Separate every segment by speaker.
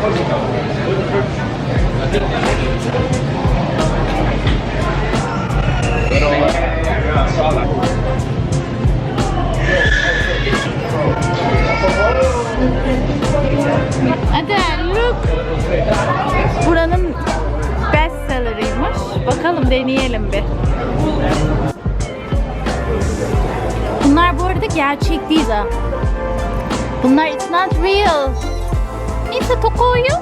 Speaker 1: Adel, look. Buranın best seller'ıymış. Bakalım, deneyelim bir. Bunlar bu arada gerçek değil ha. Bunlar it's not real. It's a tokoyu.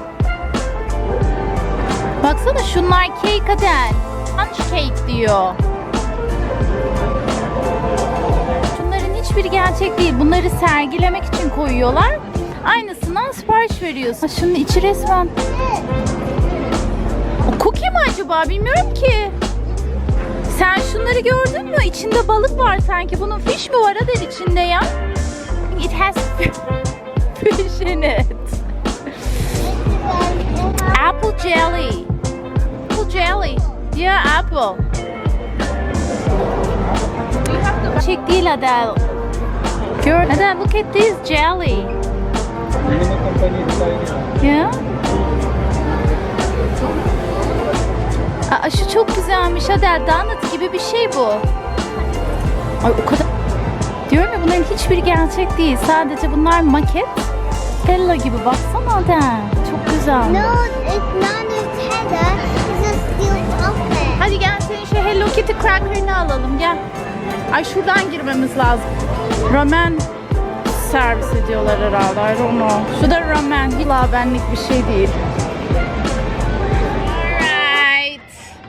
Speaker 1: Baksana, şunlar cake Adel. Punch cake diyor. Şunların hiçbiri gerçek değil. Bunları sergilemek için koyuyorlar. Aynısından sipariş veriyorsun. Şunun içi resmen. O cookie mi acaba? Bilmiyorum ki. Sen şunları gördün mü? İçinde balık var sanki. Bunun fish mi var Adel içinde ya? It has fish in it. Apple jelly. Apple jelly. Yeah, apple. Çek değil Adel. Gör. Adel, look at this jelly. Yeah. Aa, şu çok güzelmiş Adel. Donut gibi bir şey bu. Ay, o kadar. Diyorum ya, bunların hiçbiri gerçek değil. Sadece bunlar maket. Hello gibi, baksana Adel. Çok güzel.
Speaker 2: No, it's not Nutella. It's a steel puppet.
Speaker 1: Hadi gel, senin şu Hello Kitty cracker'ını alalım, gel. Ay, şuradan girmemiz lazım. Ramen servis ediyorlar herhalde. I don't know. Şu da ramen. Hiç benlik bir şey değil. Alright.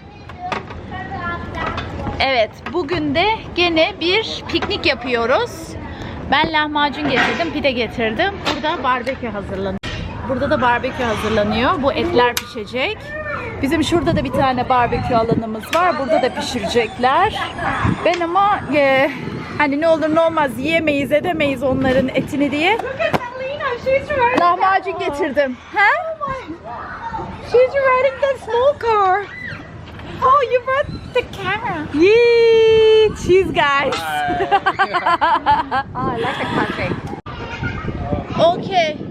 Speaker 1: Evet, bugün de gene bir piknik yapıyoruz. Ben lahmacun getirdim, pide getirdim. Burada barbekü hazırlanıyor. Burada da barbekü hazırlanıyor. Bu etler pişecek. Bizim şurada da bir tane barbekü alanımız var. Burada da pişirecekler. Ben ama hani ne olur ne olmaz yiyemeyiz edemeyiz onların etini diye lahmacun getirdim. Ha? She's riding the small car. Oh, you brought the camera. Yee, cheese guys.
Speaker 2: Oh, I like the country.
Speaker 1: Okay.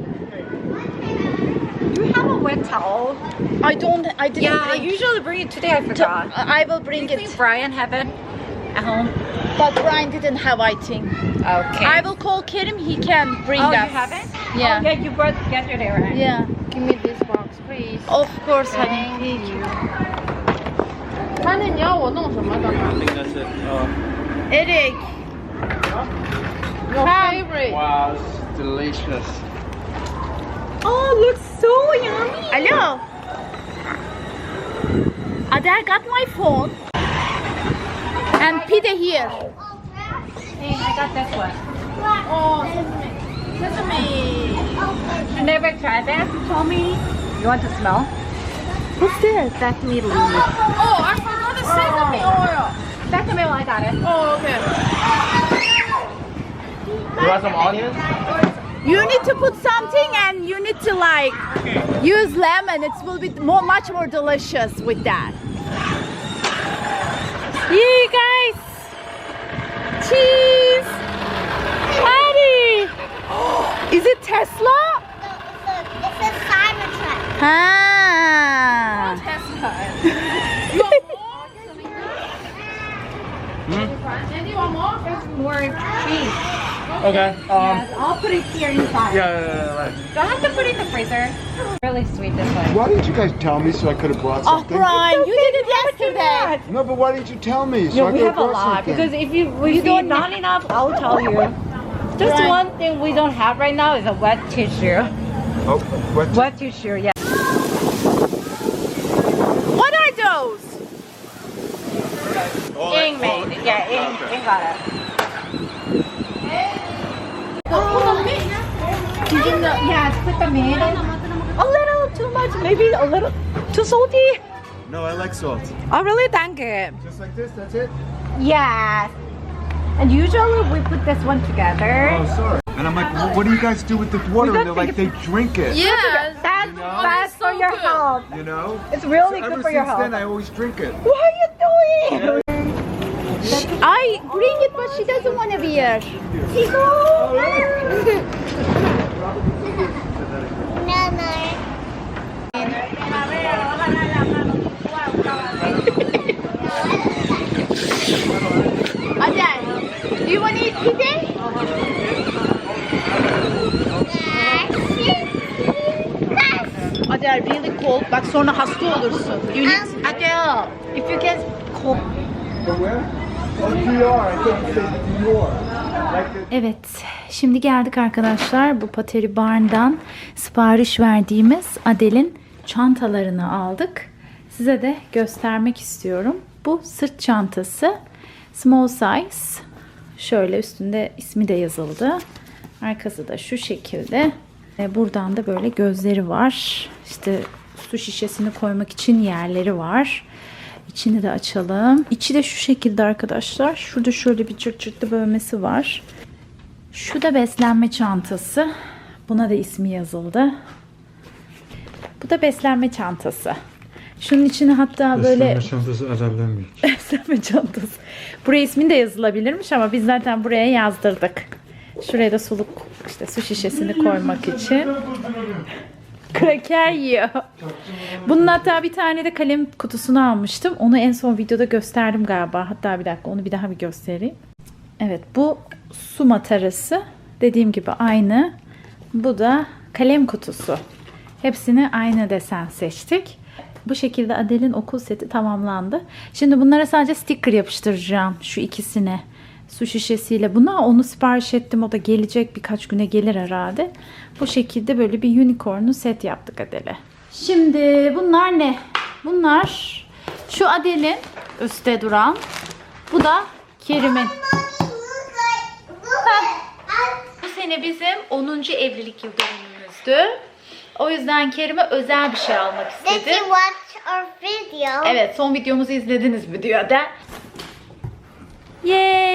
Speaker 2: Do you have a wet towel?
Speaker 1: I didn't
Speaker 2: Yeah, I
Speaker 1: bring.
Speaker 2: usually bring it today. I forgot.
Speaker 1: I will bring
Speaker 2: Do you
Speaker 1: it.
Speaker 2: think Brian have it at home?
Speaker 1: But Brian didn't have, I think.
Speaker 2: Okay.
Speaker 1: I will call Kerim. He can bring
Speaker 2: Oh,
Speaker 1: us.
Speaker 2: you have it?
Speaker 1: Yeah.
Speaker 2: Oh, yeah, you brought yesterday, right?
Speaker 1: Yeah.
Speaker 2: Give me this box, please.
Speaker 1: Of course, honey.
Speaker 2: Thank you.
Speaker 3: 他那你要我弄什么的吗
Speaker 4: I think that's it.
Speaker 1: Eric.
Speaker 3: ？Your favorite.
Speaker 4: Wow, this is delicious.
Speaker 2: Oh, looks so yummy.
Speaker 1: Hello. Adele got my phone. And pide here.
Speaker 2: Hey, I got this one.
Speaker 1: Oh, sesame.
Speaker 2: You never tried that? You told me. You want to smell?
Speaker 1: What's this?
Speaker 2: Sesame leaves.
Speaker 1: Oh, I forgot the sesame oil.
Speaker 2: Sesame oil, I got it.
Speaker 1: Oh, okay.
Speaker 4: You want some onions?
Speaker 1: You need to put something and you need to like use lemon. It will be much more delicious with that. Yeah, guys. Cheese. Patty. Is it Tesla?
Speaker 2: It's a Cybertruck.
Speaker 1: Ah.
Speaker 2: More cheese.
Speaker 4: Okay.
Speaker 2: Yes, I'll put it here inside.
Speaker 4: Right.
Speaker 2: Don't have to put it in the freezer. Really sweet this one.
Speaker 5: Why didn't you guys tell me so I could have brought
Speaker 1: Oh,
Speaker 5: something?
Speaker 1: Brian, you did it yesterday.
Speaker 5: No, but why didn't you tell me so
Speaker 2: Yeah,
Speaker 5: I
Speaker 2: we
Speaker 5: could
Speaker 2: have a
Speaker 5: brought
Speaker 2: lot
Speaker 5: something?
Speaker 2: because if you don't not enough, I'll tell you. Just
Speaker 1: Right.
Speaker 2: one thing we don't have right now is a wet tissue.
Speaker 5: Oh, what?
Speaker 2: Wet tissue, yeah.
Speaker 1: What are those?
Speaker 2: Ing made. Yeah, Ing got it. Yes, put them in. A little too much, maybe a little too salty.
Speaker 5: No, I like salt.
Speaker 2: Oh, really? Thank you.
Speaker 5: Just like this, that's it?
Speaker 2: Yes. And usually we put this one together.
Speaker 5: Oh, sorry. And I'm like, well, what do you guys do with the water?
Speaker 2: We
Speaker 5: And they're
Speaker 2: don't
Speaker 5: like, they drink it.
Speaker 1: Yeah.
Speaker 2: That's for your health.
Speaker 5: You know?
Speaker 2: It's really
Speaker 5: So
Speaker 2: good
Speaker 5: ever
Speaker 2: for your
Speaker 5: since
Speaker 2: health.
Speaker 5: then, I always drink it.
Speaker 2: What are you doing?
Speaker 1: I bring it, but she doesn't want to be here.
Speaker 2: Tico.
Speaker 1: are really cold. Bak sonra hasta olursun. You need Adele. If you can cold.
Speaker 5: From where? Oh, DR. I thought you said Dior. Like the
Speaker 1: Evet, şimdi geldik arkadaşlar. Bu Pottery Barn'dan sipariş verdiğimiz Adele'in çantalarını aldık. Size de göstermek istiyorum. Bu sırt çantası. Small size. Şöyle üstünde ismi de yazıldı. Arkası da şu şekilde. Buradan da böyle gözleri var. İşte su şişesini koymak için yerleri var. İçini de açalım. İçi de şu şekilde arkadaşlar. Şurada şöyle bir çırt çırtlı bölmesi var. Şu da beslenme çantası. Buna da ismi yazıldı. Bu da beslenme çantası. Şunun içine hatta böyle...
Speaker 6: Beslenme çantası Adel'den büyük.
Speaker 1: Beslenme çantası. Buraya ismin de yazılabilirmiş ama biz zaten buraya yazdırdık. Şuraya da suluk, işte su şişesini koymak için. Kraker yiyor. Bunun hatta bir tane de kalem kutusunu almıştım. Onu en son videoda gösterdim galiba. Hatta bir dakika onu bir daha bir göstereyim. Evet, bu su matarası. Dediğim gibi aynı. Bu da kalem kutusu. Hepsini aynı desen seçtik. Bu şekilde Adele'in okul seti tamamlandı. Şimdi bunlara sadece sticker yapıştıracağım. Şu ikisine. Su şişesiyle buna. Onu sipariş ettim. O da gelecek. Birkaç güne gelir herhalde. Bu şekilde böyle bir unicorn'u set yaptık Adele. Şimdi bunlar ne? Bunlar şu Adele'in üstte duran. Bu da Kerim'in. Bu sene bizim 10. evlilik yıl dönümümüzdü. O yüzden Kerim'e özel bir şey almak
Speaker 7: Did
Speaker 1: istedim.
Speaker 7: you watch our video?
Speaker 1: Evet, son videomuzu izlediniz mi diyor da.
Speaker 7: This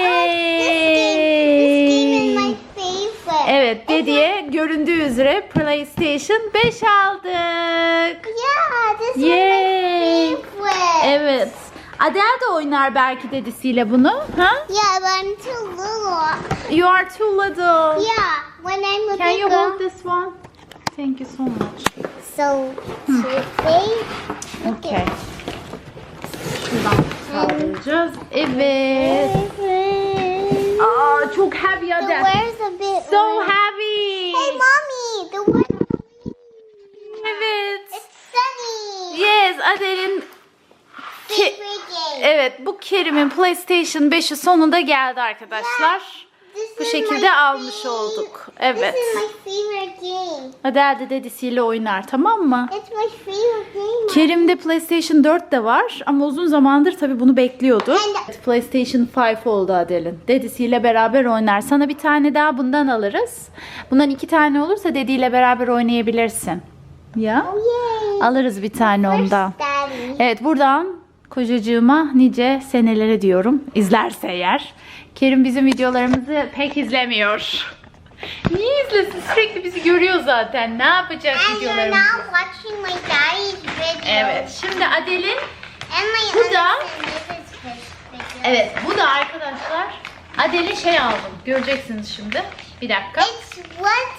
Speaker 7: game is
Speaker 1: Yay!
Speaker 7: my favorite.
Speaker 1: Evet, dediye göründüğü üzere PlayStation 5 aldık.
Speaker 7: Yeah, this is
Speaker 1: Yay!
Speaker 7: my favorite.
Speaker 1: Evet. Adele de oynar belki dedisiyle bunu. Ha?
Speaker 7: Yeah, but I'm too little.
Speaker 1: You are too little.
Speaker 7: Yeah, when I'm a
Speaker 1: Can
Speaker 7: big
Speaker 1: you
Speaker 7: girl.
Speaker 1: hold this one? Thank you so much.
Speaker 7: So, today,
Speaker 1: Okay. Şuradan sağlayacağız. Evet. Aa, çok heavy
Speaker 7: the
Speaker 1: Adele.
Speaker 7: wear's a bit.
Speaker 1: So heavy.
Speaker 7: Hey, mommy, the wear.
Speaker 1: Evet.
Speaker 7: It's sunny.
Speaker 1: Yes, Adele'in
Speaker 7: Favorite game.
Speaker 1: evet, bu Kerim'in PlayStation 5'i sonunda geldi arkadaşlar.
Speaker 7: This
Speaker 1: Bu
Speaker 7: is
Speaker 1: şekilde
Speaker 7: my
Speaker 1: almış
Speaker 7: favorite.
Speaker 1: olduk. Evet.
Speaker 7: This is my favorite game.
Speaker 1: Adele de dedisiyle oynar, tamam mı?
Speaker 7: It's my favorite game.
Speaker 1: Kerim'de PlayStation 4 de var ama uzun zamandır tabii bunu bekliyordu. PlayStation 5 oldu Adele'in. Dedisiyle beraber oynar. Sana bir tane daha bundan alırız. Bundan 2 tane olursa dediyle beraber oynayabilirsin. Ya?
Speaker 7: Oh, yay.
Speaker 1: Alırız bir tane ondan.
Speaker 7: Daddy.
Speaker 1: Evet, buradan kocacığıma nice senelere diyorum. İzlerse eğer. Kerim bizim videolarımızı pek izlemiyor. Niye izlesin? Sürekli bizi görüyor zaten. Ne yapacak
Speaker 7: And you're
Speaker 1: videolarımızı?
Speaker 7: now watching my daddy's video.
Speaker 1: Evet. Şimdi Adele'in
Speaker 7: And my
Speaker 1: Bu da-
Speaker 7: other sister's video.
Speaker 1: evet, bu da arkadaşlar Adele'in şey aldım. Göreceksiniz şimdi. Bir dakika.
Speaker 7: It's what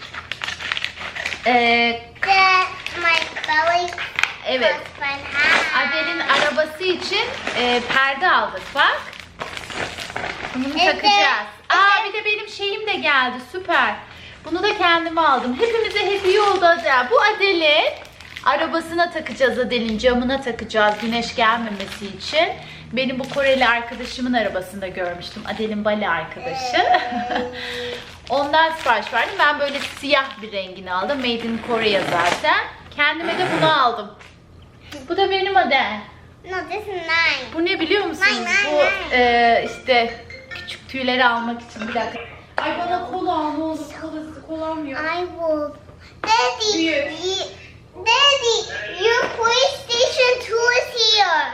Speaker 1: Ee,
Speaker 7: my belly
Speaker 1: evet.
Speaker 7: husband has.
Speaker 1: Adele'in arabası için perde aldık bak. Bunu
Speaker 7: Evet.
Speaker 1: takacağız. Aa, bir de benim şeyim de geldi. Süper. Bunu da kendime aldım. Hepimize hediye oldu Adele. Bu Adele'in arabasına takacağız. Adele'in camına takacağız. Güneş gelmemesi için. Benim bu Koreli arkadaşımın arabasında görmüştüm. Adele'in Bali arkadaşı. Ondan sipariş verdim. Ben böyle siyah bir rengini aldım. Made in Korea zaten. Kendime de bunu aldım. Bu da benim Adele.
Speaker 7: No, this is mine.
Speaker 1: Bu ne biliyor musunuz?
Speaker 7: Nay,
Speaker 1: Bu
Speaker 7: nay,
Speaker 1: işte küçük tüyleri almak için. Bir dakika. Ay bana kola al ne olur. Kolam yok.
Speaker 7: I will. Daddy,
Speaker 1: Here.
Speaker 7: Daddy, your PlayStation 2 is here.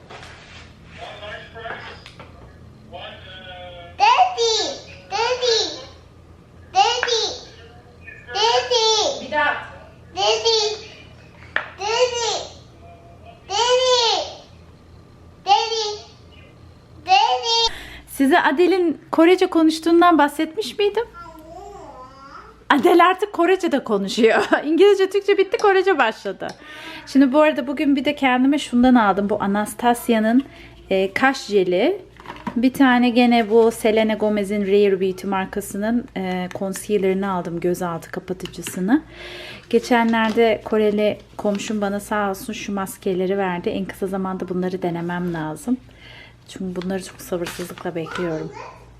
Speaker 7: Daddy, Daddy, Daddy, Daddy,
Speaker 1: Bir daha.
Speaker 7: Daddy, Daddy, Daddy, Daddy, Daddy.
Speaker 1: Size Adele'in Korece konuştuğundan bahsetmiş miydim? Adele artık Korece de konuşuyor. İngilizce, Türkçe bitti, Korece başladı. Şimdi bu arada bugün bir de kendime şundan aldım. Bu Anastasia'nın kaş jeli. Bir tane gene bu Selena Gomez'in Rare Beauty markasının concealer'ını aldım. Gözaltı kapatıcısını. Geçenlerde Koreli komşum bana sağ olsun şu maskeleri verdi. En kısa zamanda bunları denemem lazım. Çünkü bunları çok sabırsızlıkla bekliyorum.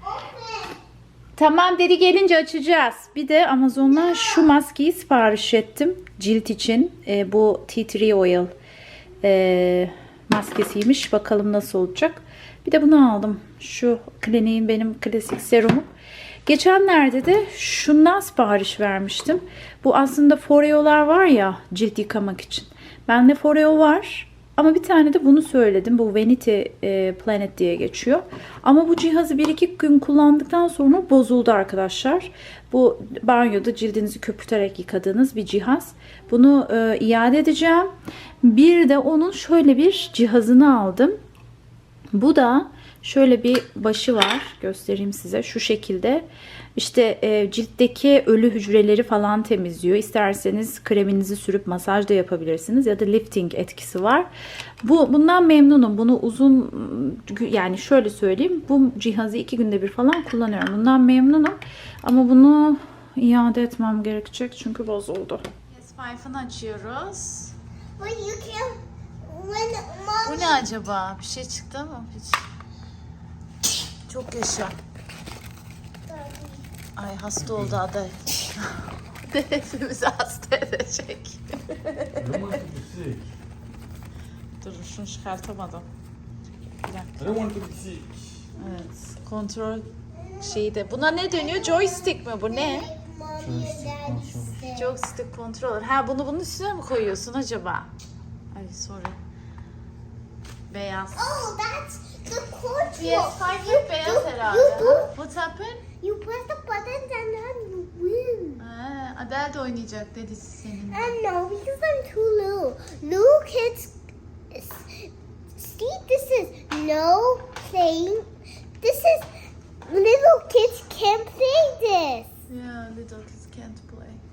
Speaker 1: Tamam dedi, gelince açacağız. Bir de Amazon'dan şu maskeyi sipariş ettim. Cilt için. Bu Tea Tree Oil maskesiymiş. Bakalım nasıl olacak. Bir de bunu aldım. Şu Clinique'in benim klasik serumu. Geçenlerde de şundan sipariş vermiştim. Bu aslında Foreo'lar var ya cilt yıkamak için. Bende Foreo var. Ama bir tane de bunu söyledim. Bu Vanity Planet diye geçiyor. Ama bu cihazı 1-2 gün kullandıktan sonra bozuldu arkadaşlar. Bu banyoda cildinizi köpürterek yıkadığınız bir cihaz. Bunu iade edeceğim. Bir de onun şöyle bir cihazını aldım. Bu da şöyle bir başı var. Göstereyim size. Şu şekilde. İşte ciltteki ölü hücreleri falan temizliyor. İsterseniz kreminizi sürüp masaj da yapabilirsiniz. Ya da lifting etkisi var. Bundan memnunum. Bunu uzun, yani şöyle söyleyeyim. Bu cihazı 2 günde bir falan kullanıyorum. Bundan memnunum. Ama bunu iade etmem gerekecek. Çünkü bozuldu. S5'ını açıyoruz.
Speaker 7: But you can. When
Speaker 1: Bu
Speaker 7: mommy.
Speaker 1: ne acaba? Bir şey çıktı mı? Hiç. Çok yaşa. Ay hasta oldu aday. Hepimizi hasta edecek. Dur şunu çıkartamadım. Bir dakika.
Speaker 5: I don't want to be sick.
Speaker 1: Evet. Kontrol şeyi de. Buna ne dönüyor? Joystick mi bu? Ne?
Speaker 7: Mommy and daddy said.
Speaker 1: Joystick controller. Ha bunu bunun üstüne mi koyuyorsun acaba? Ay sorry. Beyaz.
Speaker 7: Oh, that's the control.
Speaker 1: PS5 beyaz herhalde. What's happened?
Speaker 7: You press the buttons and then you win.
Speaker 1: Ha, Adel de oynayacak dedi senin.
Speaker 7: And no, because I'm too little. Little kids. See, this is no playing. This is little kids can't play this.
Speaker 1: Yeah, little kids can't play.